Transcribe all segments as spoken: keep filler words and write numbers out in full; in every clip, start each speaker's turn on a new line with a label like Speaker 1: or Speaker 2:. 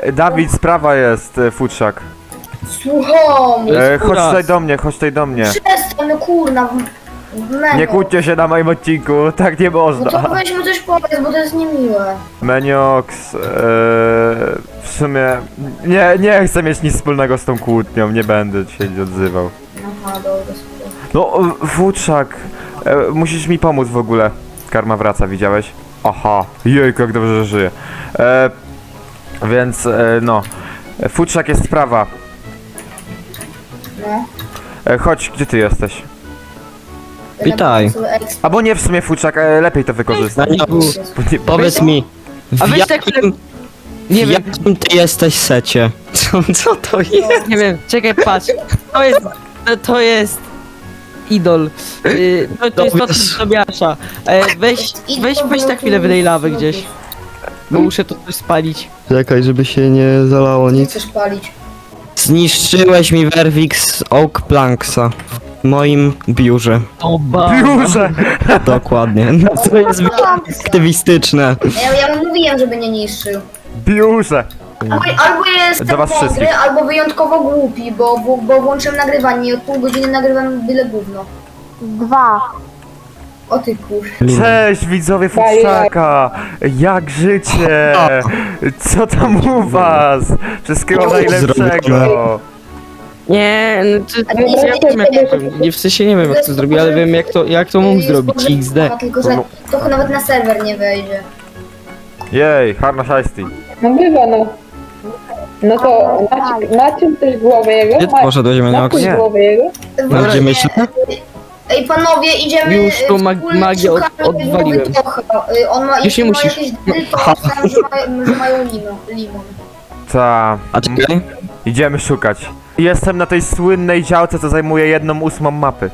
Speaker 1: E, Dawid, sprawa jest, e, futrzak.
Speaker 2: Słucham!
Speaker 1: E, chodź tutaj do mnie, chodź tutaj do mnie.
Speaker 2: Przestań, no kurna. Menio.
Speaker 1: Nie kłóćcie się na moim odcinku, tak nie
Speaker 2: No
Speaker 1: można.
Speaker 2: to weź mu coś powiedz, bo to jest niemiłe.
Speaker 1: Meniox, e, w sumie nie, nie chcę mieć nic wspólnego z tą kłótnią, nie będę się odzywał.
Speaker 2: Aha, dobra, super.
Speaker 1: No, e, futrzak, e, musisz mi pomóc w ogóle. Karma wraca, widziałeś? Aha, jejku, jak dobrze, że żyje. E, więc, e, no, e, futrzak jest sprawa.
Speaker 2: No.
Speaker 1: E, chodź, gdzie ty jesteś?
Speaker 3: Witaj.
Speaker 1: Albo nie, w sumie futrzak, e, lepiej to wykorzystać.
Speaker 3: Meniox,
Speaker 1: Bo nie-
Speaker 3: powiedz mi,
Speaker 4: A
Speaker 3: w
Speaker 4: weź tak
Speaker 3: jakim,
Speaker 4: Nie
Speaker 3: w
Speaker 4: wiem,
Speaker 3: jakim ty jesteś secie? Co, co to jest?
Speaker 4: nie wiem, czekaj, patrz. To jest, to, to jest idol. Yy, to, to jest
Speaker 3: To
Speaker 4: to
Speaker 3: wiesz.
Speaker 4: Tobiasza. E, weź, weź, weź na chwilę wydej lawy gdzieś. Bo muszę to coś spalić.
Speaker 3: Czekaj, żeby się nie zalało
Speaker 2: Nie
Speaker 3: nic.
Speaker 2: chcesz palić.
Speaker 3: Zniszczyłeś mi Werwix Oak Planksa w moim biurze.
Speaker 4: Oba.
Speaker 1: Biurze!
Speaker 3: Dokładnie. No to jest aktywistyczne.
Speaker 2: Ja, ja mu mówiłem, żeby nie niszczył.
Speaker 1: Biurze!
Speaker 2: Albo, albo jestem
Speaker 1: Do was
Speaker 2: mądry,
Speaker 1: wszystkich.
Speaker 2: albo wyjątkowo głupi, bo, bo, bo włączyłem nagrywanie i od pół godziny nagrywam byle gówno.
Speaker 5: Dwa.
Speaker 2: O ty kur...
Speaker 1: Cześć widzowie Futrzaka! Jak życie? Co tam u was? Wszystkiego najlepszego!
Speaker 4: Nie, no to, nie, ja wiem jak to, nie w sensie nie wiem jak to zrobił, ale wiem jak to, jak to mógł zrobić, X D.
Speaker 2: Tylko, że to nawet na serwer nie wejdzie.
Speaker 1: Jej, Harna Shiesty.
Speaker 6: No bywa, no. No to macie, macie też głowę jego?
Speaker 3: Gdzie ty poszedłeś, Meniox?
Speaker 6: Macie
Speaker 1: Nie.
Speaker 6: głowę jego?
Speaker 3: No, gdzie myślę?
Speaker 2: Ej panowie, idziemy...
Speaker 4: Już tu mag-
Speaker 2: wspólnie
Speaker 4: magię od-
Speaker 2: szukamy
Speaker 4: odwaliłem.
Speaker 2: głowy Tocha. Y, On ma,
Speaker 4: Już nie
Speaker 2: ma
Speaker 4: musisz.
Speaker 2: jakieś dry, to myślałem, że, mają, że mają limon. limon.
Speaker 1: Ta.
Speaker 3: A czekaj.
Speaker 1: Idziemy szukać. Jestem na tej słynnej działce, co zajmuje jedną ósmą mapy.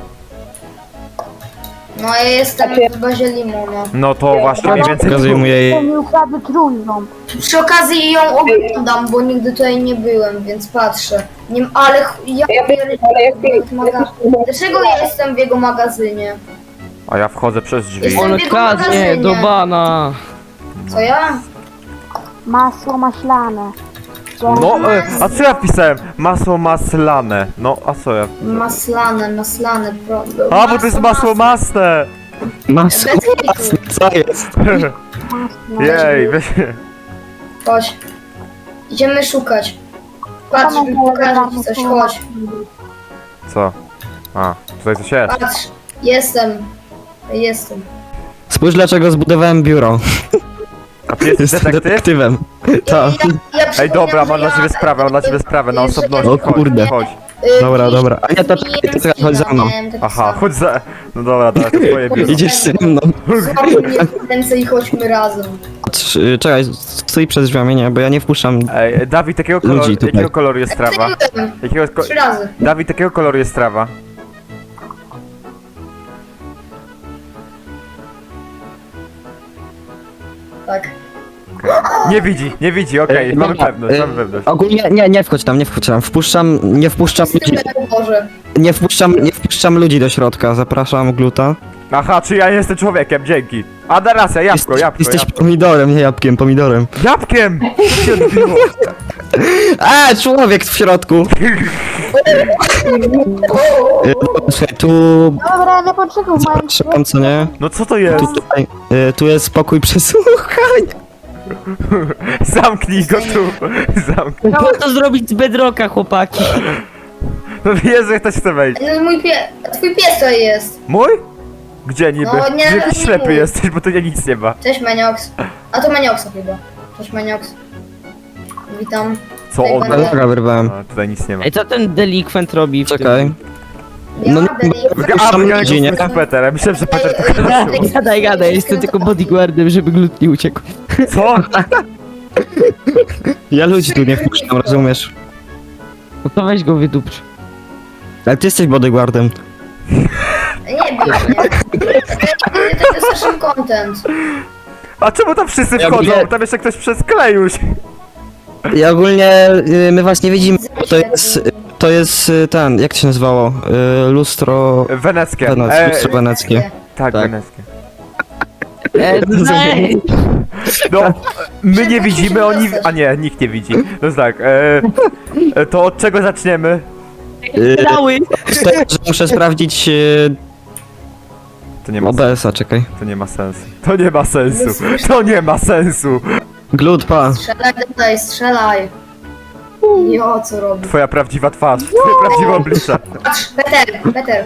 Speaker 2: No ja jestem w bazie limona.
Speaker 1: No to właśnie mniej więcej...
Speaker 3: Pokazuję mu jej...
Speaker 5: To mi ukradł trójząb.
Speaker 2: Przy okazji ją oglądam, bo nigdy tutaj nie byłem, więc patrzę. Nie, ale ch- ja
Speaker 6: Ja wiem, ale jak ty...
Speaker 2: maga... Dlaczego ja jestem w jego magazynie?
Speaker 1: A ja wchodzę przez drzwi.
Speaker 2: Jestem-
Speaker 4: On kradnie do bana.
Speaker 2: Co ja?
Speaker 5: Masło maślane.
Speaker 1: No, e, a co ja pisałem? Masło maslane. No, a co ja...
Speaker 2: Maslane, maslane, pro...
Speaker 1: A, bo to jest masło masne!
Speaker 3: Masło,
Speaker 2: Bez hitu.
Speaker 3: co jest?
Speaker 1: Jej, weź...
Speaker 2: Chodź. Idziemy szukać. Patrz, pokażę ci coś, chodź.
Speaker 1: Co? A, tutaj coś jest.
Speaker 2: Patrz, jestem. Jestem.
Speaker 3: Spójrz dlaczego zbudowałem biuro.
Speaker 1: A ty jesteś
Speaker 3: Jestem
Speaker 1: detektyw?
Speaker 3: detektywem. Tak.
Speaker 2: Ja, ja
Speaker 1: Ej, dobra,
Speaker 2: przypomniałam,
Speaker 1: mam
Speaker 2: że
Speaker 1: dla ciebie
Speaker 2: ja-
Speaker 1: sprawę, mam dla ciebie sprawę, na
Speaker 2: że-
Speaker 1: osobności.
Speaker 3: O
Speaker 1: Chodź,
Speaker 3: kurde.
Speaker 1: chodź.
Speaker 2: Y,
Speaker 3: Dobra,
Speaker 2: i-
Speaker 3: dobra. A ja to czekaj, to czekaj, chodź za mną.
Speaker 2: miałem taki
Speaker 1: Aha,
Speaker 2: sam.
Speaker 1: chodź za... No dobra, dobra, to twoje biuro.
Speaker 3: Idziesz ze mną.
Speaker 2: Złap mnie w ręce i chodźmy razem.
Speaker 3: Trz- Czekaj, stój przed drzwiami, nie, bo ja nie wpuszczam.
Speaker 1: Ej, Dawid, jakiego
Speaker 3: Ludzi
Speaker 1: koloru,
Speaker 3: tutaj.
Speaker 1: jakiego koloru jest trawa?
Speaker 2: Byłem.
Speaker 1: Jakiego ko
Speaker 2: Trzy razy.
Speaker 1: Dawid, jakiego koloru jest trawa?
Speaker 2: Tak.
Speaker 1: Nie widzi, nie widzi, okej,
Speaker 3: Ej,
Speaker 1: mamy
Speaker 3: dobra,
Speaker 1: pewność,
Speaker 3: ej,
Speaker 1: mamy pewność.
Speaker 3: Ogólnie, nie, nie wchodź tam, nie wchodź tam. Wpuszczam, nie wpuszczam
Speaker 2: Z tym
Speaker 3: ludzi,
Speaker 2: Boże.
Speaker 3: nie wpuszczam, nie wpuszczam ludzi do środka. Zapraszam gluta.
Speaker 1: Aha, czy ja jestem człowiekiem, dzięki. A da racja, jabłko,
Speaker 3: Jesteś,
Speaker 1: jabłko,
Speaker 3: jesteś
Speaker 1: jabłko.
Speaker 3: pomidorem, nie jabłkiem, pomidorem.
Speaker 1: Jabłkiem! Co się odbiło?
Speaker 3: A, człowiek w środku. E, Słuchaj, tu,
Speaker 5: Dobra, nie poczekaj, moim
Speaker 3: przepraszam, co nie?
Speaker 1: No co to jest?
Speaker 3: Tu, tutaj, e, tu jest spokój przesłuchań.
Speaker 1: Zamknij go tu. Zamknij.
Speaker 4: Trzeba to zrobić z bedrocka, chłopaki.
Speaker 1: No Jezu, jak ktoś chce wejść.
Speaker 2: No mój pie... Twój pies tutaj jest.
Speaker 1: Mój? Gdzie niby?
Speaker 2: No, nie,
Speaker 1: Że jakiś
Speaker 2: nie
Speaker 1: ślepy
Speaker 2: mój.
Speaker 1: jesteś, bo tu nie nic nie ma.
Speaker 2: Cześć Meniox. A to Menioxa chyba. Cześć Meniox. Witam.
Speaker 1: Co on?
Speaker 2: Ej,
Speaker 3: Dobra, wyrwałem.
Speaker 1: A, tutaj nic nie ma.
Speaker 4: Ej, co ten delikwent robi w
Speaker 3: Czekaj.
Speaker 2: Ja
Speaker 3: No,
Speaker 2: no,
Speaker 3: no,
Speaker 1: A,
Speaker 3: Tam
Speaker 1: ja
Speaker 3: ludzi, nie?
Speaker 1: jako Peter, ja myślałem, że Peter tylko
Speaker 4: tym? Gadaj, gadaj, gadaj, jestem tylko bodyguardem, żeby glut nie uciekł.
Speaker 1: Co?
Speaker 3: Ja ludzi tu nie wpuszczam, rozumiesz?
Speaker 4: No to weź go wydupcz.
Speaker 3: Ale ty jesteś bodyguardem.
Speaker 2: Nie wiem, nie. To jest naszym content.
Speaker 1: A czemu tam wszyscy
Speaker 3: Ja
Speaker 1: wchodzą?
Speaker 3: ogólnie-
Speaker 1: Tam jeszcze ktoś przez klejuś.
Speaker 3: I ogólnie y, my właśnie widzimy, to jest, to jest y, ten, jak to się nazywało? Y, lustro...
Speaker 1: Weneckie.
Speaker 3: Wenec,
Speaker 1: E,
Speaker 3: lustro weneckie.
Speaker 1: tak,
Speaker 3: tak.
Speaker 1: weneckie.
Speaker 4: E, nej.
Speaker 1: No, my nie widzimy, oni... A nie, nikt nie widzi. No tak, e, e, to od czego zaczniemy?
Speaker 3: Y,
Speaker 4: Dały.
Speaker 3: z tego, że muszę sprawdzić y,
Speaker 1: To nie ma
Speaker 3: O B S a, czekaj.
Speaker 1: To nie ma sensu. To nie ma sensu. To nie ma sensu.
Speaker 3: Glut, pa.
Speaker 2: Strzelaj tutaj, strzelaj. Jo, co robi?
Speaker 1: Twoja prawdziwa twarz, twoje prawdziwe oblicze.
Speaker 2: Patrz, Peter, Peter.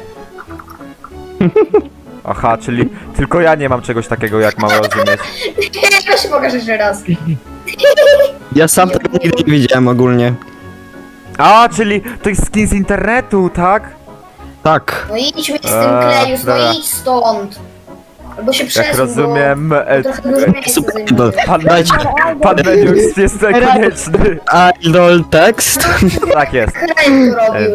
Speaker 1: Aha, czyli tylko ja nie mam czegoś takiego, jak mam rozumieć.
Speaker 2: Ja się pokażę jeszcze raz.
Speaker 3: Ja sam tego nigdy nie widziałem ogólnie.
Speaker 1: A, czyli to jest skin z internetu, tak?
Speaker 3: Tak.
Speaker 2: No idź mi z tym
Speaker 1: Eee,
Speaker 2: Klejus, no
Speaker 1: dobra.
Speaker 2: idź stąd. Albo się przesuń,
Speaker 1: Jak rozumiem,
Speaker 2: bo
Speaker 1: e,
Speaker 2: trochę dużo miejsca zajmuje.
Speaker 1: pan Menius, pan Menius jest konieczny.
Speaker 3: Idol tekst.
Speaker 1: Tak jest.
Speaker 2: Kraj to robił.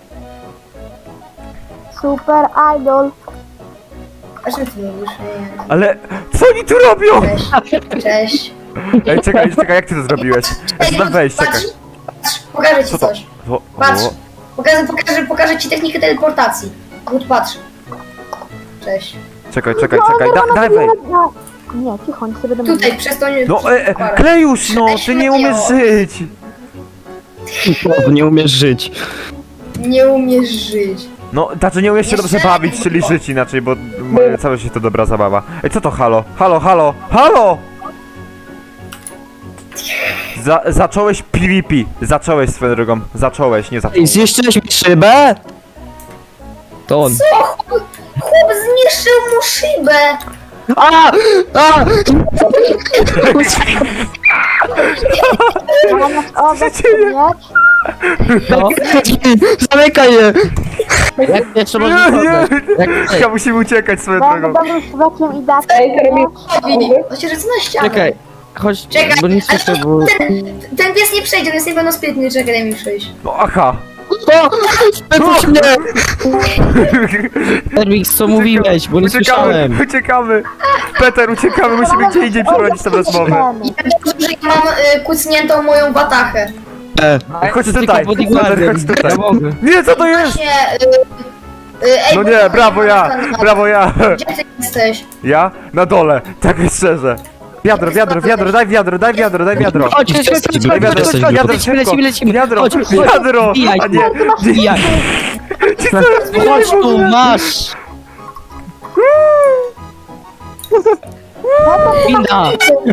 Speaker 5: Super idol.
Speaker 2: A czym ty mówisz? Nie.
Speaker 1: Ale co oni tu robią?
Speaker 2: Cześć. Cześć.
Speaker 1: Ej, czekaj, czekaj, jak ty to zrobiłeś? Ja chcę tam wejść, czekaj.
Speaker 2: Patrz, patrz, pokażę ci
Speaker 1: Co to?
Speaker 2: coś.
Speaker 1: O,
Speaker 2: Patrz.
Speaker 1: o.
Speaker 2: Pokażę, pokażę, pokażę ci technikę teleportacji. Gut, patrz. Cześć.
Speaker 1: Czekaj, czekaj, czekaj, da, daj wej.
Speaker 5: No, nie, cicho, nie sobie będę
Speaker 2: Tutaj, przez to nie...
Speaker 1: No, e, e, Klejusz, no, ty nie umiesz żyć.
Speaker 3: Nie umiesz żyć.
Speaker 2: Nie umiesz żyć.
Speaker 1: No, znaczy nie umiesz się dobrze bawić, czyli żyć inaczej, bo moje całe życie to dobra zabawa. Ej, co to halo? Halo, halo, halo! Za, zacząłeś PvP, zacząłeś swoją drogą, zacząłeś, nie
Speaker 3: Ej,
Speaker 1: zacząłeś.
Speaker 3: zniszczyłeś mi szybę?
Speaker 4: To on.
Speaker 2: O, chłop, chłop zniszczył mu szybę.
Speaker 3: A! A!
Speaker 5: O,
Speaker 1: dzieje?
Speaker 4: No.
Speaker 3: Zamykaj je!
Speaker 4: Jak jeszcze
Speaker 1: Nie,
Speaker 4: można
Speaker 1: nie,
Speaker 4: Jak,
Speaker 1: ja musimy uciekać swoją
Speaker 5: Będę
Speaker 1: drogą.
Speaker 5: dobrym człowiekiem i dać.
Speaker 6: Ej, to robi...
Speaker 2: Robi. On się rzuca na ścianę.
Speaker 4: Czekaj. Chodź,
Speaker 2: Czekaj,
Speaker 4: bo nie słyszę, bo...
Speaker 2: ten, ten pies nie przejdzie, on jest niepełnosprytny, czekaj, daj mi przejść.
Speaker 1: No, aha.
Speaker 3: O! Wypuść mnie!
Speaker 4: Termix, co mówiłeś, bo nie
Speaker 1: Uciekamy,
Speaker 4: słyszałem.
Speaker 1: uciekamy. Peter, uciekamy, musimy gdzie indziej przeprowadzić tę rozmowę.
Speaker 2: Ja dobrze, że ja mam y, kucniętą moją watachę.
Speaker 3: E,
Speaker 1: Chodź
Speaker 4: Tylko
Speaker 1: tutaj, Peter,
Speaker 4: bodyguardem.
Speaker 1: chodź tutaj.
Speaker 4: Ja mogę.
Speaker 1: Nie, co to jest?
Speaker 2: Właśnie, y, y, ej,
Speaker 1: No
Speaker 2: bo-
Speaker 1: nie, brawo ja, brawo ja.
Speaker 2: Gdzie ty jesteś?
Speaker 1: Ja? Na dole, tak jest szczerze. Wiadro, wiadro, wiadro, daj wiadro, daj wiadro, daj wiadro.
Speaker 4: Chodź, chodź, chodź, chodź,
Speaker 1: Daj
Speaker 4: chodź,
Speaker 1: wiadro,
Speaker 4: chodź,
Speaker 3: jesteś
Speaker 4: chodź,
Speaker 1: wiadro,
Speaker 4: lecimy,
Speaker 1: szybko.
Speaker 4: lecimy, lecimy.
Speaker 1: Wiadro,
Speaker 4: Chodź, chodź,
Speaker 1: wiadro,
Speaker 4: wbijaj.
Speaker 1: a nie.
Speaker 4: Wbijaj. Chodź tu, masz. Winda.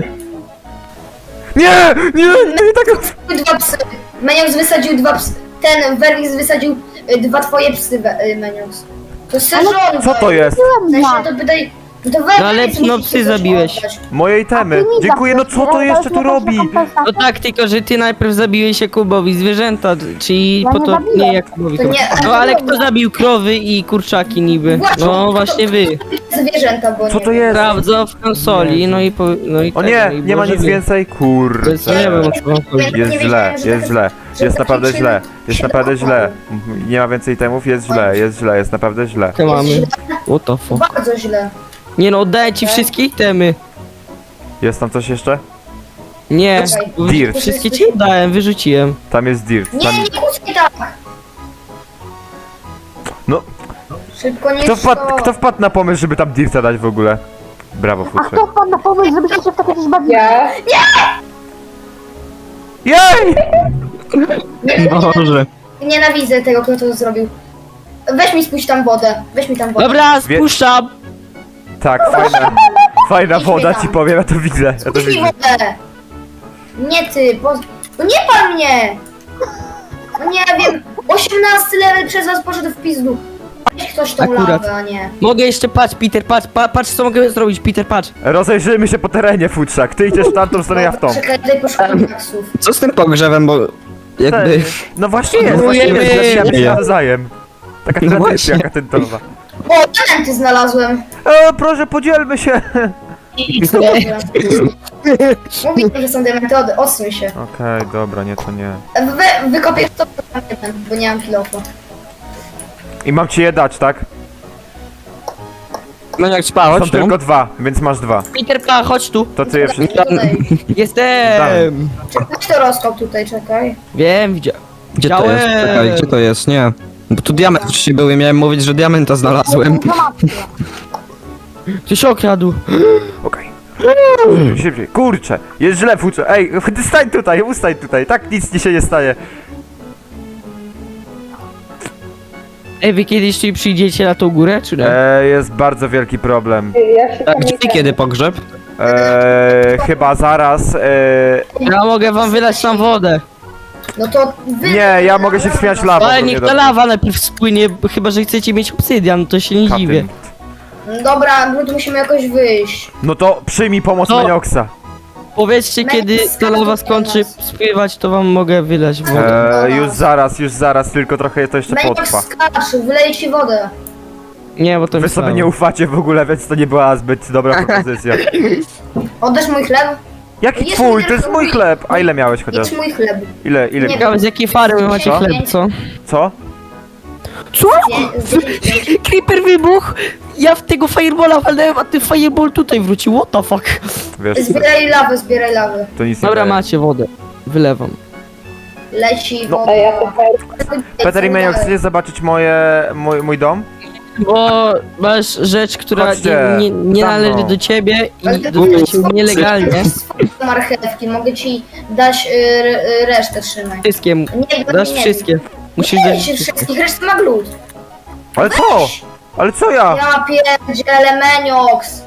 Speaker 1: Nie, nie, nie, tak.
Speaker 2: Dwa psy. Menius wysadził dwa psy. Ten Werwix wysadził y, dwa twoje psy, We- y, Menius. To jest sezon.
Speaker 1: Co to jest?
Speaker 2: W sensie to pytaj... To Werwix
Speaker 4: No ale,
Speaker 2: musi
Speaker 4: no,
Speaker 2: ci
Speaker 4: psy
Speaker 2: coś
Speaker 4: zabiłeś.
Speaker 2: oddać.
Speaker 1: Moje itemy. Dziękuję, no co to jeszcze tu robi?
Speaker 4: No tak, tylko że ty najpierw zabiłeś Jakubowi zwierzęta, czyli
Speaker 5: Ja
Speaker 4: po
Speaker 5: nie
Speaker 4: to
Speaker 5: zabiłem.
Speaker 4: nie Jakubowi.
Speaker 2: To nie-
Speaker 4: No ale kto zabił krowy i kurczaki niby?
Speaker 2: Właśnie,
Speaker 4: No
Speaker 2: to-
Speaker 4: właśnie wy.
Speaker 2: Zwierzęta, bo
Speaker 1: Co
Speaker 2: nie
Speaker 1: to
Speaker 2: wiem.
Speaker 1: jest?
Speaker 4: Sprawdza w konsoli, no i po, no i
Speaker 1: O
Speaker 4: tak,
Speaker 1: nie,
Speaker 4: no i
Speaker 1: nie ma
Speaker 4: może
Speaker 1: nic
Speaker 4: wy.
Speaker 1: więcej,
Speaker 4: To jest, nie
Speaker 1: kurde.
Speaker 4: wiem o co wam chodzi.
Speaker 1: Jest
Speaker 2: Nie
Speaker 1: źle,
Speaker 2: wiedziałem, że
Speaker 1: jest
Speaker 2: tak-
Speaker 1: źle,
Speaker 2: że
Speaker 1: jest
Speaker 2: tak
Speaker 1: naprawdę
Speaker 2: się-
Speaker 1: źle, jest
Speaker 2: się
Speaker 1: naprawdę
Speaker 2: dokonało.
Speaker 1: źle. Nie ma więcej itemów, jest źle, jest źle, jest naprawdę źle.
Speaker 4: Co mamy? What the fuck?
Speaker 2: Bardzo źle.
Speaker 4: Nie no, oddaję ci wszystkie itemy.
Speaker 1: Jest tam coś jeszcze?
Speaker 4: Nie,
Speaker 2: Czekaj.
Speaker 4: bo
Speaker 1: Dirt.
Speaker 4: wszystkie ci oddałem, wyrzuciłem.
Speaker 1: Tam jest dirt.
Speaker 2: Nie,
Speaker 1: Tam...
Speaker 2: nie kłócaj tak.
Speaker 1: No,
Speaker 2: Szybko nie
Speaker 1: kto wpadł,
Speaker 2: sto.
Speaker 1: kto wpadł na pomysł, żeby tam dirta dać w ogóle? Brawo,
Speaker 5: A
Speaker 1: Futrzek.
Speaker 5: kto wpadł na pomysł, żebyście się w takie coś bawili?
Speaker 6: Ja...
Speaker 1: Jej!
Speaker 3: Boże.
Speaker 2: Nienawidzę tego, kto to zrobił. Weź mi spuść tam wodę. Weź mi tam wodę.
Speaker 4: Dobra,
Speaker 1: Wie-
Speaker 4: spuszczam.
Speaker 1: Tak, fajna, fajna woda ci powiem, ja to widzę, ja to
Speaker 2: Spuść mi
Speaker 1: widzę.
Speaker 2: wodę. Nie ty, bo... No nie pan mnie! No nie wiem, osiemnasty level przez was poszedł w pizdu. Weź ktoś tą
Speaker 4: Akurat.
Speaker 2: lawę, a nie.
Speaker 4: Mogę jeszcze, patrz Peter, patrz, pa, patrz co mogę zrobić, Peter, patrz.
Speaker 1: Rozejrzyjmy się po terenie, Futrzak. Ty idziesz w tamtą stronę, ja w tą.
Speaker 2: Czekaj, tutaj poszukam taksów.
Speaker 3: Co z tym pogrzewem, bo jakby...
Speaker 1: No właśnie jest, właśnie
Speaker 4: Próbujemy.
Speaker 1: jest, zabijamy się
Speaker 3: Ja.
Speaker 1: nawzajem. Taka
Speaker 3: No
Speaker 1: tradycja
Speaker 3: właśnie.
Speaker 1: katentowa.
Speaker 2: O, diamenty znalazłem.
Speaker 1: E, proszę, podzielmy się.
Speaker 2: Mówiłem, że są diamenty, od, odsuń się.
Speaker 1: Okej, dobra, nie, to nie.
Speaker 2: Wy, wykopię to, bo nie mam kilofu.
Speaker 1: I mam ci je dać, tak?
Speaker 3: No jak spał,
Speaker 1: Są
Speaker 3: chodź tu.
Speaker 1: tylko dwa, więc masz dwa.
Speaker 4: Peter, pa, chodź tu.
Speaker 1: To ty je wszystkie...
Speaker 2: Tutaj.
Speaker 4: Jestem.
Speaker 2: Czekaj, to rozkop tutaj, czekaj.
Speaker 4: Wiem, widziałem.
Speaker 3: Gdzie to jest?
Speaker 4: Widziałem.
Speaker 3: Czekaj, gdzie to jest? Nie. Bo tu diament wcześniej był i miałem mówić, że diamenta znalazłem.
Speaker 5: Informacje.
Speaker 4: Ty się okradł.
Speaker 1: Szybciej, kurczę, jest źle, futrze. Ej, ty stań tutaj, ustań tutaj, tak nic ci się nie staje.
Speaker 4: Ej, wy kiedyś tu przyjdziecie na tą górę, czy nie?
Speaker 1: E, jest bardzo wielki problem.
Speaker 6: Ja się
Speaker 3: A
Speaker 6: tam
Speaker 3: gdzie
Speaker 6: nie
Speaker 3: i kiedy pogrzeb?
Speaker 1: E, chyba zaraz. E,
Speaker 4: Ja mogę wam wylać tam wodę.
Speaker 2: No to wy...
Speaker 1: nie, ja mogę się wspinać lawą.
Speaker 4: Ale
Speaker 1: to
Speaker 4: niech
Speaker 1: nie
Speaker 4: ta
Speaker 1: dobrze.
Speaker 4: lawa najpierw spłynie, bo chyba że chcecie mieć obsydian, to się nie
Speaker 1: Kapie.
Speaker 4: dziwię.
Speaker 2: Dobra, my tu musimy jakoś wyjść.
Speaker 1: No to przyjmij pomoc
Speaker 4: No.
Speaker 1: Menioxa.
Speaker 4: Powiedzcie, kiedy ta lawa skończy spływać, to wam mogę wylać wodę.
Speaker 1: E, już zaraz, już zaraz, tylko trochę to jeszcze
Speaker 2: Meniox
Speaker 1: potrwa.
Speaker 2: skacz, wyleję ci wodę.
Speaker 4: Nie, bo to
Speaker 1: Wy
Speaker 4: mi
Speaker 1: sobie nie ufacie w ogóle, więc to nie była zbyt dobra propozycja.
Speaker 2: Oddasz mój chleb?
Speaker 1: Jaki
Speaker 2: Jest
Speaker 1: twój?
Speaker 2: mój
Speaker 1: To jest
Speaker 2: chleb.
Speaker 1: mój chleb. A ile miałeś chociaż?
Speaker 2: Jedz mój chleb.
Speaker 1: Ile, ile?
Speaker 2: Nie.
Speaker 4: Ciekawe, z jakiej farmy macie
Speaker 1: Co?
Speaker 4: chleb, co?
Speaker 1: Co?
Speaker 4: Co?
Speaker 2: Nie, z dziesięć.
Speaker 4: Creeper wybuch! Ja w tego fireballa walnąłem, a ten fireball tutaj wrócił, what the fuck?
Speaker 1: Wiesz,
Speaker 2: Zbieraj lawę, zbieraj lawę.
Speaker 1: to nic nie
Speaker 4: Dobra,
Speaker 1: daje.
Speaker 4: macie wodę. Wylewam.
Speaker 2: Leci
Speaker 1: No.
Speaker 2: woda.
Speaker 6: A ja to fair.
Speaker 1: Peter i Meniox, chcesz zobaczyć moje, mój, mój dom?
Speaker 4: Bo masz rzecz, która
Speaker 1: Chodźcie,
Speaker 4: nie, nie, nie
Speaker 1: tam
Speaker 4: należy
Speaker 1: no.
Speaker 4: do ciebie
Speaker 2: Ale
Speaker 4: i
Speaker 2: ty
Speaker 4: dostaje
Speaker 2: masz
Speaker 4: się nielegalnie.
Speaker 2: swoje marchewki, mogę ci dać y, y, resztę, trzymaj.
Speaker 4: Wszystkie,
Speaker 2: Nie,
Speaker 4: dasz
Speaker 2: nie,
Speaker 4: wszystkie. Musisz
Speaker 2: Nie,
Speaker 4: dać
Speaker 2: się
Speaker 4: wszystkie.
Speaker 2: wszystkich, resztę ma glut.
Speaker 1: Ale co? Ale co ja?
Speaker 2: Ja pierdzielę Meniox.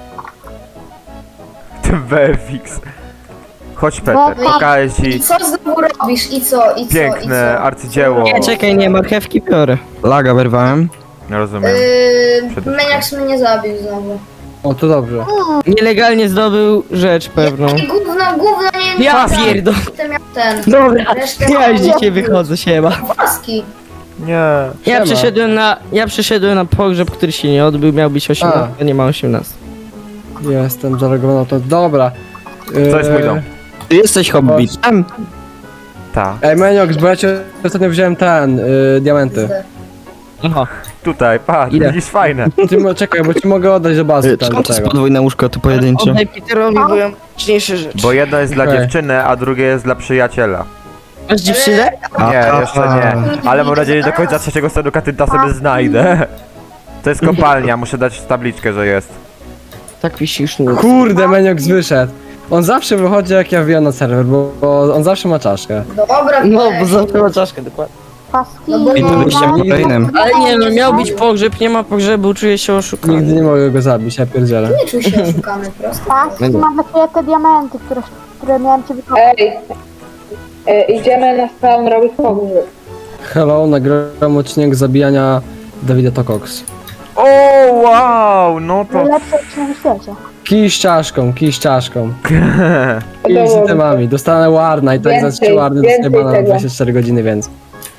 Speaker 1: Ten Verfix. Chodź Peter,
Speaker 5: No,
Speaker 1: pokażę
Speaker 2: I
Speaker 1: ci
Speaker 2: co znowu robisz? I co? I co?
Speaker 1: piękne
Speaker 2: I co?
Speaker 1: arcydzieło.
Speaker 4: Nie, czekaj, nie, marchewki biorę.
Speaker 3: Laga wyrwałem.
Speaker 1: Nie rozumiem.
Speaker 2: Yy,
Speaker 1: Przede
Speaker 2: Meniox mnie zabił znowu.
Speaker 7: O, to dobrze.
Speaker 4: Nielegalnie zdobył rzecz pewną.
Speaker 2: I gówno, gówno, nie, nie.
Speaker 4: Ja
Speaker 2: nie,
Speaker 4: pierdol.
Speaker 2: Ten miał ten.
Speaker 4: Dobra,
Speaker 2: Resztę
Speaker 4: ja już
Speaker 2: mam.
Speaker 4: dzisiaj wychodzę, siema.
Speaker 2: Paski.
Speaker 1: Nie.
Speaker 4: Ja
Speaker 7: Siema.
Speaker 4: przyszedłem na, ja przyszedłem na pogrzeb, który się nie odbył, miał być osiemnaście, a nie ma osiemnaście.
Speaker 7: Jestem zalegowany, to dobra.
Speaker 1: To jest mój
Speaker 7: Eee,
Speaker 1: dom.
Speaker 3: Ty jesteś hobbitem?
Speaker 1: Ta.
Speaker 7: Ej, Meniox, bo ja cię ostatnio wziąłem ten, yy, diamenty.
Speaker 4: Aha.
Speaker 1: Tutaj, patrz,
Speaker 4: Ile?
Speaker 1: widzisz, fajne.
Speaker 7: Ty, mo- czekaj, bo ci mogę oddać do bazy
Speaker 3: Y,
Speaker 7: tam do
Speaker 3: Skąd to jest
Speaker 7: tego.
Speaker 3: podwójne łóżko, to pojedyncze?
Speaker 4: Oddaj Peterowi, bo ja mam ważniejsze rzeczy.
Speaker 1: Bo jedno jest dla
Speaker 7: Okej.
Speaker 1: dziewczyny, a drugie jest dla przyjaciela.
Speaker 4: Masz dziewczynę?
Speaker 1: Nie, jeszcze nie. Ale mam nadzieję, że do końca trzeciego stanu katynta sobie znajdę. To jest kopalnia, muszę dać tabliczkę, że jest.
Speaker 4: Tak wisisz nóg.
Speaker 7: Kurde, Meniox wyszedł. On zawsze wychodzi jak ja wbijam na serwer, bo, bo on zawsze ma czaszkę.
Speaker 2: Dobra,
Speaker 4: No,
Speaker 2: weź.
Speaker 4: bo zamknęła czaszkę, dokładnie.
Speaker 5: Paski.
Speaker 2: No bo-
Speaker 3: I to byście kolejnym.
Speaker 4: Ale nie no, miał być pogrzeb, nie ma pogrzebu, czuję się oszukany.
Speaker 7: Nigdy nie mogę go zabić, ja pierdzielę.
Speaker 2: Nie czuj się oszukany, prosto.
Speaker 5: Paski, mam dla ciebie te diamenty, które, które miałem ci wykupić.
Speaker 6: Ej, e, idziemy na spawn robić pogrzeb.
Speaker 7: Hello, nagrałem odcinek zabijania Dawida Tokox.
Speaker 1: O, wow, no to...
Speaker 5: Najlepsze odcinek na świecie.
Speaker 7: Kij z czaszką, kij z czaszką. Kij z
Speaker 6: Podoba mi.
Speaker 7: itemami. Dostanę warna i tak za
Speaker 6: Więcej,
Speaker 7: trzy warny dostaję
Speaker 6: więcej
Speaker 7: bana na
Speaker 6: tego.
Speaker 7: dwadzieścia cztery godziny więcej.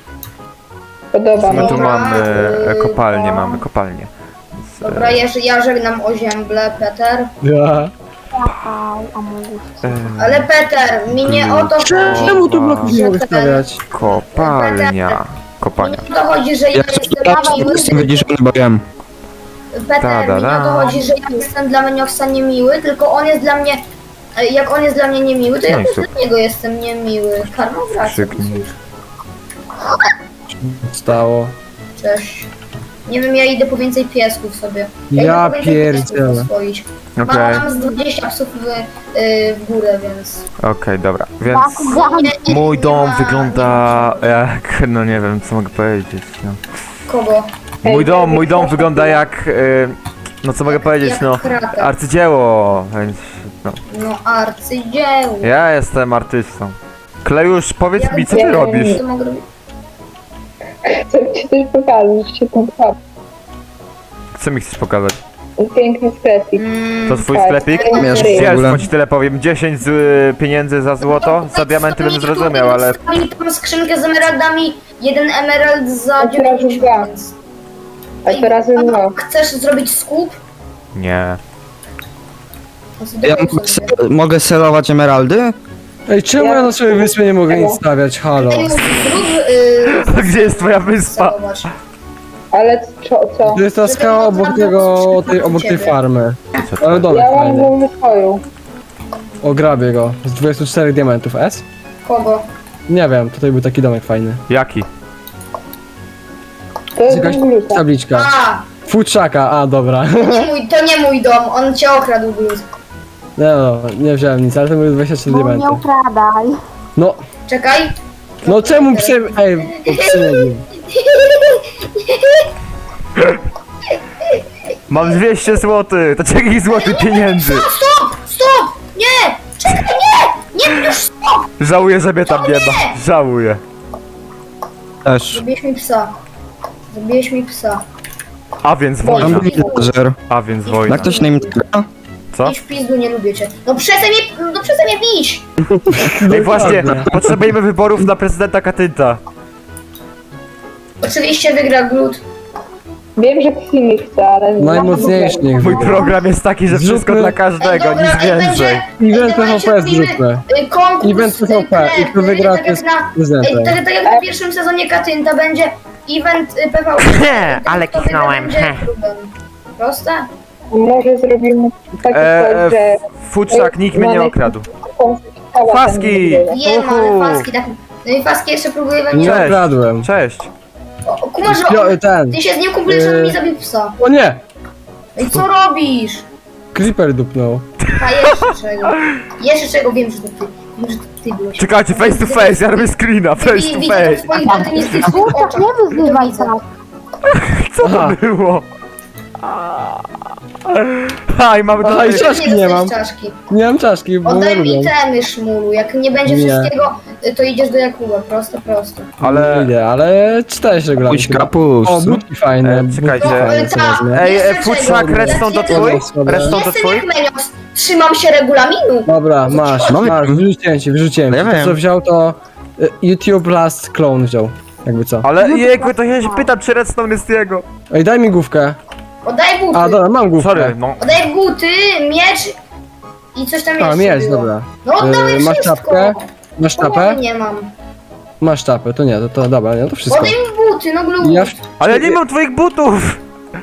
Speaker 6: Podoba
Speaker 1: My
Speaker 6: mi
Speaker 1: tu
Speaker 6: się.
Speaker 1: mamy e,
Speaker 2: Dobra,
Speaker 1: kopalnię,
Speaker 2: to-
Speaker 1: mamy kopalnię. Więc, e,
Speaker 2: Dobra, ja, ja żegnam o ziemble, Peter.
Speaker 7: Ja.
Speaker 5: Aj, a mógł.
Speaker 1: e,
Speaker 2: Ale Peter, mi nie o to chodzi.
Speaker 7: Czemu tu bloków nie mogę
Speaker 2: Że ten-
Speaker 7: stawiać?
Speaker 1: Kopalnia.
Speaker 2: Mi
Speaker 1: Kopalnia.
Speaker 2: nie o to chodzi, że ja
Speaker 3: Ja
Speaker 2: jestem
Speaker 3: jestem
Speaker 2: miły.
Speaker 3: wyciszony, bo wiem.
Speaker 2: Peter,
Speaker 1: Da, da,
Speaker 2: mi nie o to
Speaker 1: da.
Speaker 2: chodzi, że ja jestem dla Menioxa niemiły, tylko on jest dla mnie... e, Jak on jest dla mnie niemiły, to
Speaker 1: No
Speaker 2: ja
Speaker 1: i
Speaker 2: też
Speaker 1: super.
Speaker 2: dla niego jestem niemiły. Karma wraca.
Speaker 1: Krzyknij.
Speaker 7: Stało.
Speaker 2: Cześć. Nie wiem, ja idę po więcej piesków sobie.
Speaker 7: Ja
Speaker 2: idę po więcej piesków
Speaker 7: pierdzielę.
Speaker 2: oswoić.
Speaker 1: Okej,
Speaker 2: Mam z dwadzieścia psów w, y, w górę, więc...
Speaker 1: okej, dobra. Więc
Speaker 5: Paski,
Speaker 2: Nie, nie,
Speaker 1: mój
Speaker 2: nie
Speaker 1: dom
Speaker 2: ma-
Speaker 1: wygląda jak... No nie wiem, co mogę powiedzieć. No.
Speaker 2: Kogo?
Speaker 1: Mój dom, mój dom wygląda jak... y, No co mogę powiedzieć,
Speaker 2: Jak
Speaker 1: no...
Speaker 2: krater.
Speaker 1: Arcydzieło, więc... No.
Speaker 2: No arcydzieło.
Speaker 1: Ja jestem artystą. Klejusz, powiedz
Speaker 2: Jak
Speaker 1: mi, co ty
Speaker 6: wiem.
Speaker 1: robisz?
Speaker 2: Co mogę robić?
Speaker 6: Chcę ci coś pokazać, się tam pcham.
Speaker 1: Co mi chcesz pokazać?
Speaker 6: Piękny sklepik.
Speaker 2: Mm,
Speaker 1: To twój
Speaker 6: tak.
Speaker 1: sklepik?
Speaker 3: Miesz w
Speaker 1: Wiesz,
Speaker 3: ogóle.
Speaker 1: co ci tyle powiem, dziesięć z, y, pieniędzy za złoto, za diamenty bym zrozumiał, ale...
Speaker 2: Zostawili tam skrzynkę z emeraldami, jeden emerald za
Speaker 6: A teraz
Speaker 2: dziewięćdziesiąt,
Speaker 6: dwa.
Speaker 2: więc...
Speaker 6: A teraz dwa.
Speaker 2: Chcesz zrobić skup?
Speaker 1: Nie.
Speaker 2: No,
Speaker 3: Ja
Speaker 2: zrób
Speaker 3: mogę,
Speaker 2: sobie.
Speaker 3: se- mogę selować emeraldy?
Speaker 7: Ej, czemu ja na swojej wyspie nie mogę nic stawiać? Halo.
Speaker 2: Ej, Zrób... Yy,
Speaker 1: Gdzie jest twoja wyspa?
Speaker 2: zobacz.
Speaker 6: Ale co? co?
Speaker 7: To jest ta skała obok tego, tej, obok tej farmy. Ale domek
Speaker 6: Ja mam
Speaker 7: fajny.
Speaker 6: wolny swoją.
Speaker 7: O, grabię go. Z dwudziestu czterech diamentów. S?
Speaker 2: Kogo?
Speaker 7: Nie wiem, tutaj był taki domek fajny.
Speaker 1: Jaki?
Speaker 6: To
Speaker 7: Jest
Speaker 6: jest
Speaker 7: jakaś
Speaker 6: gluta.
Speaker 7: tabliczka.
Speaker 2: A,
Speaker 7: Futrzaka, a dobra.
Speaker 2: to nie mój, to nie mój dom, on cię okradł, Blues.
Speaker 7: no, nie wziąłem nic, ale to były dwadzieścia trzy
Speaker 5: No
Speaker 7: diamenty.
Speaker 5: nie ukradaj.
Speaker 7: No,
Speaker 2: Czekaj.
Speaker 7: no czemu prze... Ej, bo przynajmniej.
Speaker 1: Mam dwieście złotych, to czekaj złotych pieniędzy.
Speaker 2: Stop! Stop! Nie! Czekaj, nie! Nie, już stop!
Speaker 1: Żałuję, że mnie tam nie ma. Żałuję.
Speaker 3: Też.
Speaker 2: Zabiłeś mi psa. Zabiłeś mi psa.
Speaker 1: A więc
Speaker 3: Mam
Speaker 1: wojna.
Speaker 3: villager.
Speaker 1: A więc wojna.
Speaker 3: Jak ktoś na nim gra?
Speaker 1: Co?
Speaker 2: Idź w pizdu, nie lubię cię. No przestań mnie, no przestań mnie bić!
Speaker 1: Ej, właśnie, potrzebujemy wyborów na prezydenta Katynta.
Speaker 2: Oczywiście wygra Glut.
Speaker 6: Wiem, że Ksimi chce, ale...
Speaker 7: Najmocniejszy niech
Speaker 1: Mój
Speaker 7: wygra.
Speaker 1: program jest taki, że wszystko
Speaker 7: Zróbmy-
Speaker 1: dla każdego,
Speaker 2: Ej, dobra,
Speaker 1: nic
Speaker 2: ej,
Speaker 1: więcej.
Speaker 2: będzie-
Speaker 7: Event
Speaker 2: ej, dawajcie,
Speaker 7: P V P
Speaker 2: robimy,
Speaker 7: zróbmy.
Speaker 2: y, Konkurs,
Speaker 7: Event P V P
Speaker 2: y,
Speaker 7: i kto
Speaker 2: y,
Speaker 7: wygra,
Speaker 2: tak
Speaker 7: to jest
Speaker 2: jak na- Ej,
Speaker 7: prezydentem.
Speaker 2: tak, tak jak na pierwszym sezonie Katynta będzie event y, P V P.
Speaker 1: Ale
Speaker 2: Kto wygra,
Speaker 1: kichnąłem,
Speaker 2: będzie
Speaker 1: he.
Speaker 2: klubem. Proste?
Speaker 6: Może zrobimy taki
Speaker 1: E,
Speaker 6: coś, że...
Speaker 1: Futrzak, nikt mnie nie okradł.
Speaker 6: Cała
Speaker 1: Faski!
Speaker 6: ten wygrywa.
Speaker 2: Wiem,
Speaker 1: Uhu.
Speaker 2: ale Faski tak... No i Faski jeszcze próbuje we
Speaker 7: Nie
Speaker 2: mnie...
Speaker 1: Cześć.
Speaker 7: okradłem.
Speaker 1: Cześć.
Speaker 2: O, o, kumasz, że
Speaker 7: Jo,
Speaker 2: on,
Speaker 7: ten.
Speaker 2: ty się z nim kumplujesz, on
Speaker 7: Yy.
Speaker 2: mi zabił psa.
Speaker 7: O nie!
Speaker 2: I co robisz?
Speaker 7: Creeper dupnął.
Speaker 2: A jeszcze czego? Jeszcze czego? Wiem, że to ty. Wiem, że to ty byłeś.
Speaker 1: Czekajcie, face to face, ja robię screena, face
Speaker 2: I
Speaker 1: to
Speaker 2: widzę to w
Speaker 1: face.
Speaker 2: twoich datynistycznych
Speaker 5: Kurczak,
Speaker 2: oczach.
Speaker 5: nie wyzywaj
Speaker 2: To widzę.
Speaker 5: tak.
Speaker 1: Co
Speaker 7: Aha.
Speaker 1: to było? Ha, i mamy
Speaker 7: Aha, i
Speaker 1: tutaj...
Speaker 7: czaszki nie
Speaker 2: dostajesz
Speaker 7: mam.
Speaker 2: czaszki.
Speaker 7: Nie mam czaszki, bo nie
Speaker 2: Oddaj mi
Speaker 7: lubię.
Speaker 2: temy, szmulu. Jak nie będzie
Speaker 7: Nie.
Speaker 2: wszystkiego, to idziesz do Jakuba. Prosto, prosto.
Speaker 1: Ale-
Speaker 7: Ale... Nie, ale czytałeś regulamin.
Speaker 3: Puść
Speaker 7: chyba.
Speaker 3: kapusz.
Speaker 7: O, budki fajne.
Speaker 1: E,
Speaker 7: budki
Speaker 1: czekajcie.
Speaker 7: fajne,
Speaker 2: No,
Speaker 7: co
Speaker 2: tak.
Speaker 7: wezmę.
Speaker 1: Ej,
Speaker 2: Jeszcze
Speaker 1: e, Futrzak,
Speaker 2: czego?
Speaker 1: redstone to
Speaker 2: Ja-
Speaker 1: twój?
Speaker 7: ja-
Speaker 1: Redstone to
Speaker 2: Jestem
Speaker 1: twój?
Speaker 2: jak Menios. Trzymam się regulaminu.
Speaker 7: Dobra, masz,
Speaker 3: Mamy-
Speaker 7: masz, wyrzuciłem ci, wyrzuciłem
Speaker 3: No ja
Speaker 7: ci. To
Speaker 3: wiem.
Speaker 7: co wziął to y, YouTube Last Clone wziął, jakby co.
Speaker 1: Ale jejku, to ja się pytam, czy redstone jest jego.
Speaker 7: Ej, daj mi główkę.
Speaker 2: Oddaj buty.
Speaker 7: A, dobra, mam główkę.
Speaker 1: Sorry, no.
Speaker 2: Oddaj buty, miecz i coś tam
Speaker 7: A,
Speaker 2: jeszcze
Speaker 7: miecz,
Speaker 2: było.
Speaker 7: dobra.
Speaker 2: No oddawaj
Speaker 7: Yy, masz
Speaker 2: wszystko.
Speaker 7: czapkę? Masz
Speaker 2: Połowy
Speaker 7: czapę?
Speaker 2: nie mam.
Speaker 7: Masz czapę, to nie, to, to dobra, nie, to wszystko.
Speaker 2: Oddaj mi buty, no glut.
Speaker 7: Ja,
Speaker 1: Ale ja nie mam twoich butów!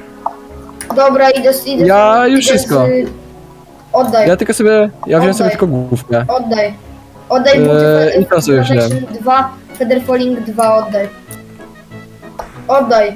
Speaker 2: Dobra, idę z... Idę
Speaker 7: Ja
Speaker 2: z,
Speaker 7: już
Speaker 2: idę
Speaker 7: wszystko.
Speaker 2: Z... Oddaj,
Speaker 7: ja tylko sobie, ja wziąłem sobie
Speaker 2: Oddaj.
Speaker 7: tylko główkę.
Speaker 2: oddaj. Oddaj buty.
Speaker 7: Eee,
Speaker 2: Feather
Speaker 7: i to sobie
Speaker 2: Protection
Speaker 7: wziąłem.
Speaker 2: dwa, Feather Falling dwa, oddaj. Oddaj.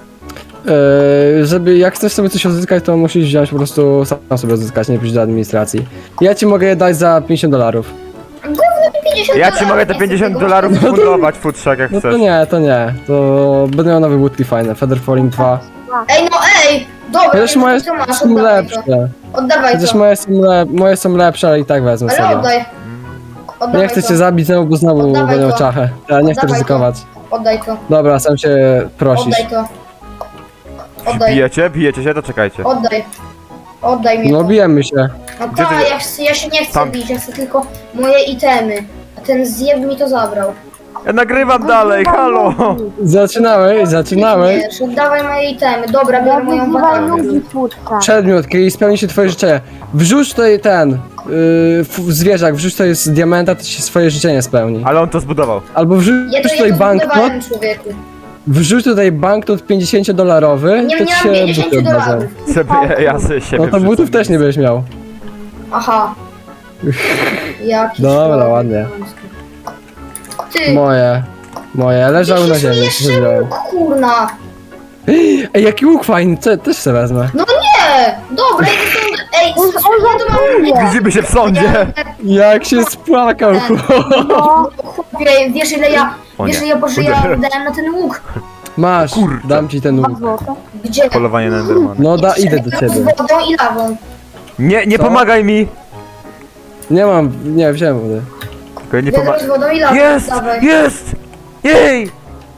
Speaker 7: Eee, żeby, jak chcesz sobie coś odzyskać, to musisz wziąć po prostu sam sobie odzyskać, nie pójść do administracji. Ja ci mogę je dać za pięćdziesiąt dolarów.
Speaker 2: Gówno mi pięćdziesiąt
Speaker 1: Ja ci
Speaker 2: dolarów,
Speaker 1: mogę te
Speaker 2: nie chcę
Speaker 1: pięćdziesiąt
Speaker 2: tego.
Speaker 1: dolarów fundować, Futrzak, jak
Speaker 7: No to
Speaker 1: chcesz.
Speaker 7: nie, to nie, to będę miał nowe budki fajne, Feather Falling dwa.
Speaker 2: Ej, no ej! Dobra,
Speaker 7: Chociaż
Speaker 2: no
Speaker 7: moje
Speaker 2: to masz,
Speaker 7: są
Speaker 2: oddawaj to.
Speaker 7: lepsze.
Speaker 2: Oddawaj
Speaker 7: Chociaż
Speaker 2: to.
Speaker 7: moje są, lep, moje są lepsze, ale i tak wezmę
Speaker 2: Ale
Speaker 7: sobie.
Speaker 2: oddaj. Oddawaj
Speaker 7: Nie chcę
Speaker 2: to.
Speaker 7: cię zabić znowu, bo znowu
Speaker 2: Oddawaj
Speaker 7: będę miał
Speaker 2: to.
Speaker 7: czachę. Ja nie chcę
Speaker 2: Oddawaj
Speaker 7: ryzykować.
Speaker 2: Oddaj to.
Speaker 7: Dobra, sam się prosisz.
Speaker 2: Oddaj to. Oddaj.
Speaker 1: Bijecie? Bijecie się? To czekajcie.
Speaker 2: Oddaj. Oddaj mi
Speaker 7: No
Speaker 2: to.
Speaker 7: bijemy się.
Speaker 2: No
Speaker 1: Gdzie
Speaker 2: tak,
Speaker 1: ty-
Speaker 2: ja, chcę- ja się nie chcę
Speaker 1: Tam.
Speaker 2: bić, ja chcę tylko moje itemy. A ten zjeb mi to zabrał.
Speaker 1: Ja nagrywam dalej, halo!
Speaker 7: Zaczynałeś, zaczynałeś.
Speaker 2: Wiesz, oddawaj moje itemy. Dobra,
Speaker 5: Ja
Speaker 2: biorę moją
Speaker 5: wyzywaj
Speaker 2: baterię.
Speaker 5: ludzi twórca.
Speaker 7: Przedmiot, i spełni się twoje życzenie. Wrzuć tutaj ten, yy, f- zwierzak, wrzuć tutaj z diamenta, to się swoje życzenie spełni.
Speaker 1: Ale on to zbudował.
Speaker 7: Albo wrzuć
Speaker 2: Ja to,
Speaker 7: tutaj
Speaker 2: ja to
Speaker 7: banknot,
Speaker 2: zbudowałem, człowieku.
Speaker 7: wrzuć tutaj banknot pięćdziesiąt dolarowy,
Speaker 2: Nie,
Speaker 7: to
Speaker 2: nie
Speaker 7: ci
Speaker 2: mam
Speaker 7: się
Speaker 2: pięćdziesiąt
Speaker 7: buty oddadzą.
Speaker 2: dolarów.
Speaker 1: Sobie, ja, ja sobie siebie
Speaker 7: No to butów
Speaker 1: wrzucę.
Speaker 7: też nie będziesz miał.
Speaker 2: Aha. Jaki
Speaker 7: Dobra,
Speaker 2: człowiek.
Speaker 7: ładnie.
Speaker 2: Ty,
Speaker 7: Moje. Moje, leżały na
Speaker 2: jeszcze
Speaker 7: ziemi.
Speaker 2: jeszcze
Speaker 7: wziąłem.
Speaker 2: łuk, kurna.
Speaker 7: Ej, jaki łuk fajny, co, też sobie wezmę.
Speaker 2: No nie! Dobra, idę stąd. Ej,
Speaker 5: On,
Speaker 2: s-
Speaker 5: on
Speaker 2: ja to mam...
Speaker 5: żartuje.
Speaker 1: Widzimy się w sądzie!
Speaker 7: Jak się spłakał, chłop.
Speaker 5: No,
Speaker 2: Chłopie, wiesz ile ja...
Speaker 1: O
Speaker 2: Wiesz
Speaker 1: nie.
Speaker 2: ile ja Boże, ja dałem na ten łuk.
Speaker 7: Masz,
Speaker 1: Kurde.
Speaker 7: dam ci ten łuk.
Speaker 5: dwa złote.
Speaker 2: Gdzie?
Speaker 1: Polowanie na Endermana.
Speaker 7: No da, idę do ciebie.
Speaker 2: Z wodą i lawą.
Speaker 1: Nie, nie
Speaker 7: Co?
Speaker 1: pomagaj mi!
Speaker 7: Nie mam, nie, wziąłem wody.
Speaker 1: Tylko nie
Speaker 2: Wiadro
Speaker 1: pomagaj.
Speaker 2: z wodą i lawą.
Speaker 1: Jest!
Speaker 2: Dawaj.
Speaker 1: Jest! Jej!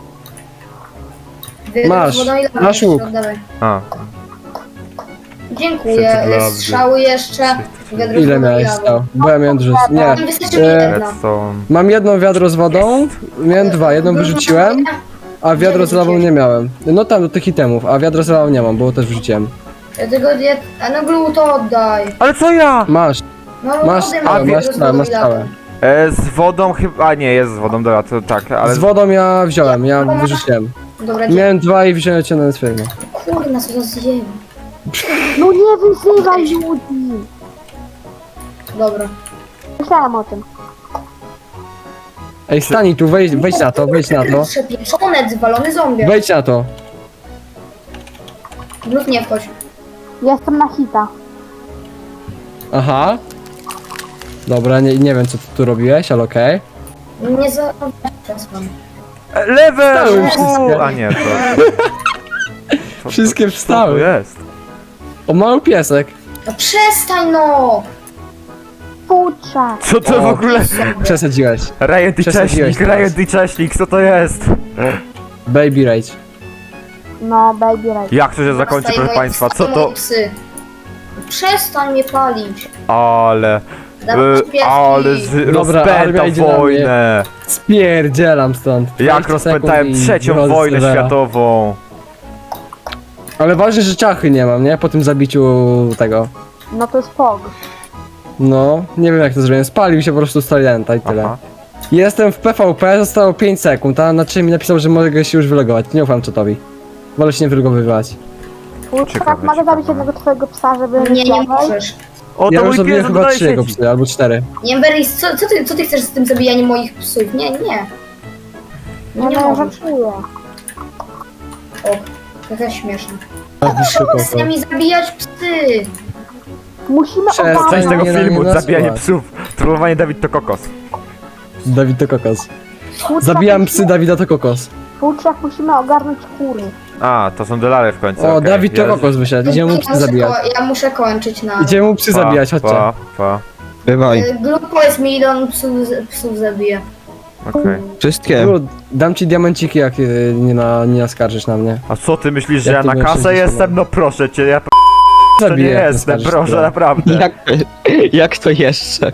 Speaker 2: Wiadro
Speaker 7: Masz,
Speaker 2: z wodą i lawą.
Speaker 7: masz łuk.
Speaker 2: Dawaj.
Speaker 1: A,
Speaker 2: Dziękuję.
Speaker 1: Wszyscy dla
Speaker 2: Strzały jeszcze. Wiadro z
Speaker 7: Ile
Speaker 2: wodą i
Speaker 7: miałeś
Speaker 2: lawą.
Speaker 7: stał? Bo ja miałem dużo. Nie.
Speaker 2: Nie wystarczy mi
Speaker 7: E,
Speaker 2: jedna.
Speaker 1: redstone.
Speaker 7: Mam jedno wiadro z wodą, miałem dwa, jedno wyrzuciłem, a wiadro z lawą nie miałem. No tam do tych itemów, a wiadro z lawą nie mam, bo też wrzuciłem.
Speaker 2: Ja tego nie... A no glu to oddaj.
Speaker 1: Ale co ja?
Speaker 7: Masz,
Speaker 2: No
Speaker 7: masz
Speaker 2: oddaj mi
Speaker 7: stałe,
Speaker 2: wiadro
Speaker 7: masz
Speaker 2: z
Speaker 7: stałe,
Speaker 2: wodą
Speaker 7: masz
Speaker 2: i lawą.
Speaker 7: stałe.
Speaker 1: E, z wodą chyba... A nie, jest z wodą, dobra, to tak, ale...
Speaker 7: Z wodą ja wziąłem, ja wyrzuciłem.
Speaker 2: Dobra, dziękuję.
Speaker 7: Miałem dwa i wziąłem cię na swojego.
Speaker 2: Kurna, co za zjem.
Speaker 5: No nie wyzywaj ludzi.
Speaker 2: Dobra.
Speaker 5: Myślałem o tym.
Speaker 7: Ej, stani tu, wejdź, wejdź na to, wejdź na to.
Speaker 2: Przepieczone, zwalony zombie.
Speaker 7: Wejdź na to.
Speaker 2: Glut nie wchodź.
Speaker 5: Jestem na hita.
Speaker 7: Aha. Dobra, nie, nie wiem co ty tu robiłeś, ale okej.
Speaker 2: Nie za... Przesłam.
Speaker 1: E, Lewe!
Speaker 7: Wstały
Speaker 1: U,
Speaker 7: wszystkie.
Speaker 1: A nie, to... to
Speaker 7: Wszystkie
Speaker 1: Co
Speaker 7: wstały.
Speaker 1: to jest?
Speaker 7: O, mały piesek.
Speaker 2: No przestań no!
Speaker 5: Futrzak.
Speaker 1: Co to w
Speaker 7: O.
Speaker 1: ogóle?
Speaker 7: Przesadziłeś.
Speaker 1: Ryan i
Speaker 7: Przesadziłeś
Speaker 1: Cześnik,
Speaker 7: teraz.
Speaker 1: Ryan i Cześnik, co to jest?
Speaker 7: Baby Rage.
Speaker 5: No, baby right.
Speaker 1: Jak to się zakończy,
Speaker 2: Wstań
Speaker 1: proszę
Speaker 2: moje-
Speaker 1: państwa? Co
Speaker 2: wstań
Speaker 1: to?
Speaker 2: moje psy. Przestań mnie palić.
Speaker 1: Ale...
Speaker 2: Dawaj
Speaker 1: E,
Speaker 2: pieski.
Speaker 1: ale z,
Speaker 7: Dobra, armia
Speaker 1: rozpęta
Speaker 7: idzie na mnie.
Speaker 1: wojnę.
Speaker 7: Spierdzielam stąd.
Speaker 1: Jak
Speaker 7: dwadzieścia
Speaker 1: rozpętałem
Speaker 7: sekund i
Speaker 1: trzecią
Speaker 7: wychodzę z
Speaker 1: wojnę
Speaker 7: serwera.
Speaker 1: światową.
Speaker 7: Ale ważne, że czachy nie mam, nie? Po tym zabiciu tego.
Speaker 5: No to jest fog.
Speaker 7: No, nie wiem jak to zrobiłem. Spalił się po prostu Stalenta i tyle.
Speaker 1: Aha.
Speaker 7: Jestem w P V P, zostało pięć sekund, a na czym mi napisał, że mogę się już wylogować. Nie ufam czatowi. Wolę się nie wylogowywać.
Speaker 1: Ciekawe,
Speaker 5: Futrzak, mogę
Speaker 1: ciekawe.
Speaker 5: zabić jednego twojego psa, żeby
Speaker 2: Nie, nie
Speaker 5: zjadł?
Speaker 2: możesz.
Speaker 1: O,
Speaker 7: Ja
Speaker 1: to
Speaker 7: już
Speaker 1: mój pies
Speaker 7: zabiłem chyba
Speaker 1: dodaje
Speaker 7: trzy jego
Speaker 1: sieci.
Speaker 7: psy, albo cztery.
Speaker 2: Nie, Beris, co, co, ty, co ty chcesz z tym zabijaniem moich psów? Nie, nie. Nie,
Speaker 5: Nie,
Speaker 2: nie
Speaker 5: no, ja
Speaker 2: możesz.
Speaker 5: żartuję.
Speaker 2: O, to jest śmieszne.
Speaker 7: Szybko.
Speaker 2: Przestań mi zabijać psy.
Speaker 5: Musimy
Speaker 7: Przestań
Speaker 1: Część
Speaker 5: ogarnąć.
Speaker 1: tego
Speaker 7: Nie, nie,
Speaker 1: filmu,
Speaker 7: nie
Speaker 1: zabijanie
Speaker 7: nasuwać.
Speaker 1: psów. Trollowanie Dawid to kokos.
Speaker 7: Dawid to kokos.
Speaker 5: Futrzak,
Speaker 7: Zabijam
Speaker 5: musimy-
Speaker 7: psy, Dawida to kokos.
Speaker 5: Futrzak, musimy ogarnąć kury.
Speaker 1: A, to są dolary w końcu.
Speaker 7: O,
Speaker 1: okej.
Speaker 7: Dawid to
Speaker 1: Ja-
Speaker 7: kokos wyszedł. Idziemy mu psy
Speaker 2: ja, muszę
Speaker 7: zabijać.
Speaker 2: ko- ja muszę kończyć na...
Speaker 7: Idziemy mu psy
Speaker 1: Pa,
Speaker 7: zabijać, chodźcie.
Speaker 1: Pa, pa.
Speaker 3: Bywaj.
Speaker 2: Y, Grup powiedz mi, ile on psów, psów zabije.
Speaker 1: Okej.
Speaker 3: Wszystkie.
Speaker 7: Lud, dam ci diamenciki, jak y, nie, na, nie naskarżysz na mnie.
Speaker 1: A co ty myślisz, że
Speaker 7: Jak
Speaker 1: ja
Speaker 7: ty
Speaker 1: na
Speaker 7: byłeś
Speaker 1: kasę
Speaker 7: sześćdziesiąt
Speaker 1: jestem? No proszę cię, ja p- to nie
Speaker 7: Zabiję, jak
Speaker 1: jestem,
Speaker 7: naskarżysz
Speaker 1: proszę,
Speaker 7: tyle.
Speaker 1: naprawdę.
Speaker 3: Jak, jak to jeszcze?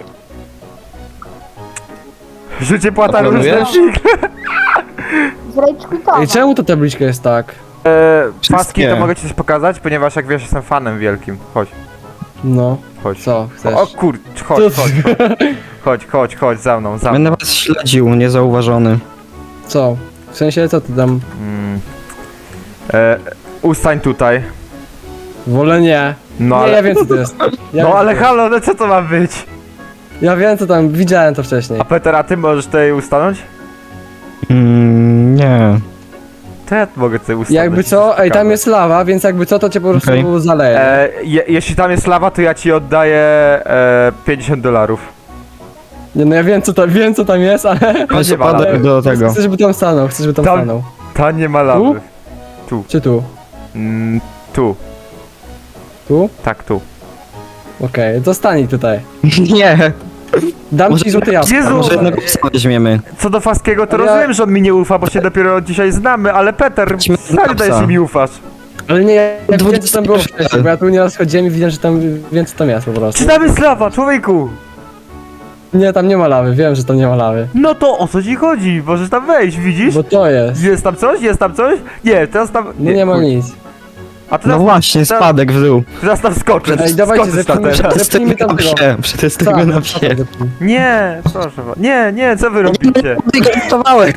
Speaker 1: Życie płata
Speaker 3: Planujesz?
Speaker 1: różne.
Speaker 5: Zrejcz quitowa.
Speaker 7: Ej, czemu ta tabliczka jest tak?
Speaker 1: E, paski
Speaker 3: Wszystkie.
Speaker 1: to mogę ci coś pokazać, ponieważ jak wiesz, jestem fanem wielkim. Chodź,
Speaker 7: No,
Speaker 1: chodź.
Speaker 7: co chcesz?
Speaker 1: O kur... chodź,
Speaker 7: Co-
Speaker 1: chodź, chodź, chodź, chodź, za mną, za
Speaker 3: Będę
Speaker 1: mną.
Speaker 3: was śledził, niezauważony.
Speaker 7: Co? W sensie, co ty tam?
Speaker 1: Mm. E, ustań tutaj.
Speaker 7: Wolę nie.
Speaker 1: No
Speaker 7: nie,
Speaker 1: ale...
Speaker 7: ja wiem co to jest. Ja wiem,
Speaker 1: No
Speaker 7: co
Speaker 1: ale
Speaker 7: to jest.
Speaker 1: halo, no co to ma być?
Speaker 7: Ja wiem co tam, widziałem to wcześniej.
Speaker 1: A Peter, a ty możesz tutaj ustanąć?
Speaker 3: Mm, nie.
Speaker 1: To ja mogę tutaj ustanąć.
Speaker 7: Jakby co, ej, tam jest lawa, więc jakby co, to cię po prostu
Speaker 3: Okej.
Speaker 7: zaleje.
Speaker 1: E, je, jeśli tam jest lawa, to ja ci oddaję e, pięćdziesiąt dolarów.
Speaker 7: Nie, no ja wiem co tam, wiem co tam jest, ale...
Speaker 3: Jest
Speaker 1: nie ma
Speaker 3: spadek
Speaker 1: lawy.
Speaker 3: do tego.
Speaker 7: Chcę, żeby tam stanął, chcę, żeby tam
Speaker 1: Tam-
Speaker 7: stanął.
Speaker 1: Ta nie ma lawy.
Speaker 7: Czy tu?
Speaker 1: Mm, tu,
Speaker 7: Tu?
Speaker 1: tak tu.
Speaker 7: Okej, to stań tutaj.
Speaker 3: Nie.
Speaker 7: Dam
Speaker 3: Może-
Speaker 7: ci złoty jabłko.
Speaker 1: Jezu!
Speaker 3: Może jednego psa weźmiemy.
Speaker 1: Co do Faskiego, to
Speaker 7: Ja-
Speaker 1: rozumiem, że on mi nie ufa, bo się dopiero dzisiaj znamy, ale Peter,
Speaker 3: Chodźmy do
Speaker 1: stary, daj
Speaker 3: psa.
Speaker 1: się mi ufasz.
Speaker 7: Ale nie, ja wiem co
Speaker 3: dwudziesty
Speaker 7: tam było
Speaker 3: pierwszy.
Speaker 7: wcześniej, bo ja tu nieraz chodziłem i widziałem, że tam, wiem co tam jest po prostu.
Speaker 1: Czy tam jest lawa, człowieku?
Speaker 7: Nie, tam nie ma lawy, wiem, że tam nie ma lawy.
Speaker 1: No to o co ci chodzi? Możesz tam wejść, widzisz?
Speaker 7: Bo to jest.
Speaker 1: Jest tam coś? Jest tam coś? Nie, teraz tam...
Speaker 7: No nie ma
Speaker 1: chuj.
Speaker 7: nic.
Speaker 1: A
Speaker 3: No
Speaker 1: teraz,
Speaker 3: właśnie, spadek w dół.
Speaker 1: teraz tam skoczę.
Speaker 7: Ej, dawajcie,
Speaker 1: Skoczysz tam
Speaker 7: zepnijmy-
Speaker 1: teraz.
Speaker 7: Zepnijmy
Speaker 3: Przetestujmy na
Speaker 7: tam tego.
Speaker 3: psie. Przetestujmy na psie.
Speaker 1: Nie, proszę was. Nie, nie, co wy robicie?
Speaker 3: Żartowałem.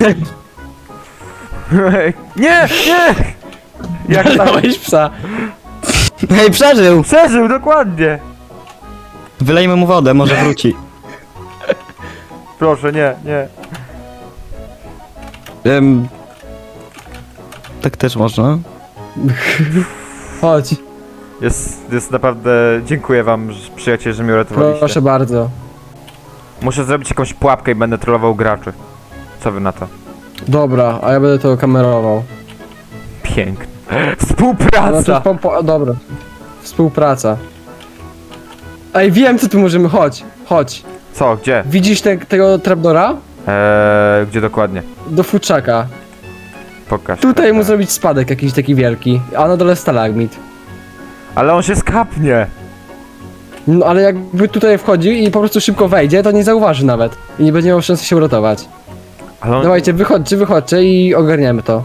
Speaker 1: Nie, nie! Jak tam...
Speaker 7: Dałeś psa.
Speaker 3: Hej, przeżył!
Speaker 1: Przeżył, dokładnie.
Speaker 3: Wylejmy mu wodę, może wróci.
Speaker 1: Proszę, nie, nie.
Speaker 3: Em, tak też można.
Speaker 7: Chodź,
Speaker 1: Jest, jest naprawdę... Dziękuję wam, że- przyjaciele, że mnie uratowaliście.
Speaker 7: proszę bardzo.
Speaker 1: Muszę zrobić jakąś pułapkę i będę trollował graczy. Co wy na to?
Speaker 7: Dobra, a ja będę to kamerował.
Speaker 1: Pięknie.
Speaker 7: Znaczy,
Speaker 1: Współpraca!
Speaker 7: po, po, dobra. Współpraca. Ej, wiem co tu możemy, chodź, chodź.
Speaker 1: Co, gdzie?
Speaker 7: Widzisz te, tego trapdora?
Speaker 1: Eee, gdzie dokładnie?
Speaker 7: Do futrzaka.
Speaker 1: Pokaż.
Speaker 7: Tutaj mu
Speaker 1: Peter.
Speaker 7: zrobić spadek jakiś taki wielki, a na dole stalagmit.
Speaker 1: Ale on się skapnie.
Speaker 7: No ale jakby tutaj wchodzi i po prostu szybko wejdzie, to nie zauważy nawet. I nie będzie miał szansy się uratować.
Speaker 1: Ale on...
Speaker 7: Dawajcie, wychodźcie, wychodźcie i ogarniemy to.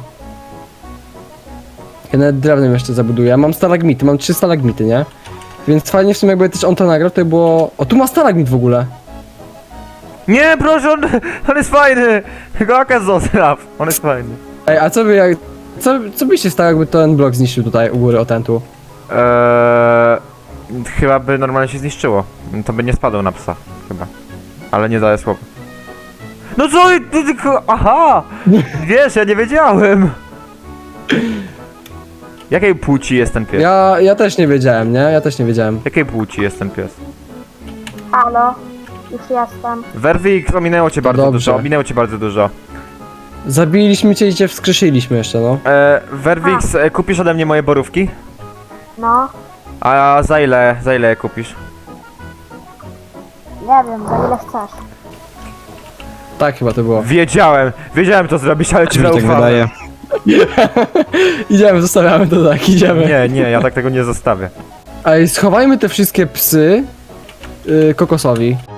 Speaker 7: Ja nawet drewnem jeszcze zabuduję. Ja mam stalagmity, mam trzy stalagmity, nie? Więc fajnie w sumie jakby też on to nagrał, to by było... O, tu ma stalagmit w ogóle.
Speaker 1: Nie, proszę, on, on jest fajny! Goaka zostaw, on jest fajny.
Speaker 7: Ej, a co by jak... Co, co by się stało, jakby ten blok zniszczył tutaj u góry, o ten tu?
Speaker 1: Eee, chyba by normalnie się zniszczyło. To by nie spadł na psa, chyba. Ale nie daję słowa. No co? ty- ty- ty- Aha! Wiesz, ja nie wiedziałem. Jakiej płci jest ten pies?
Speaker 7: Ja, ja też nie wiedziałem, nie? Ja też nie wiedziałem.
Speaker 1: Jakiej płci jest ten pies?
Speaker 5: Halo? Już jestem.
Speaker 1: Werwik, ominęło cię bardzo
Speaker 7: dobrze.
Speaker 1: dużo, ominęło cię bardzo dużo.
Speaker 7: Zabiliśmy cię i cię wskrzeszyliśmy jeszcze, no.
Speaker 1: E, Werwix, e, kupisz ode mnie moje borówki?
Speaker 5: No,
Speaker 1: A za ile, za ile je kupisz?
Speaker 5: nie wiem, za ile chcesz.
Speaker 7: Tak chyba to było.
Speaker 1: Wiedziałem, wiedziałem to zrobić, ale ci
Speaker 3: Mi się tak
Speaker 1: zaufałem.
Speaker 3: wydaje.
Speaker 7: Idziemy, zostawiamy to tak, idziemy.
Speaker 1: Nie, nie, ja tak tego nie zostawię.
Speaker 7: Ej, schowajmy te wszystkie psy y, kokosowi.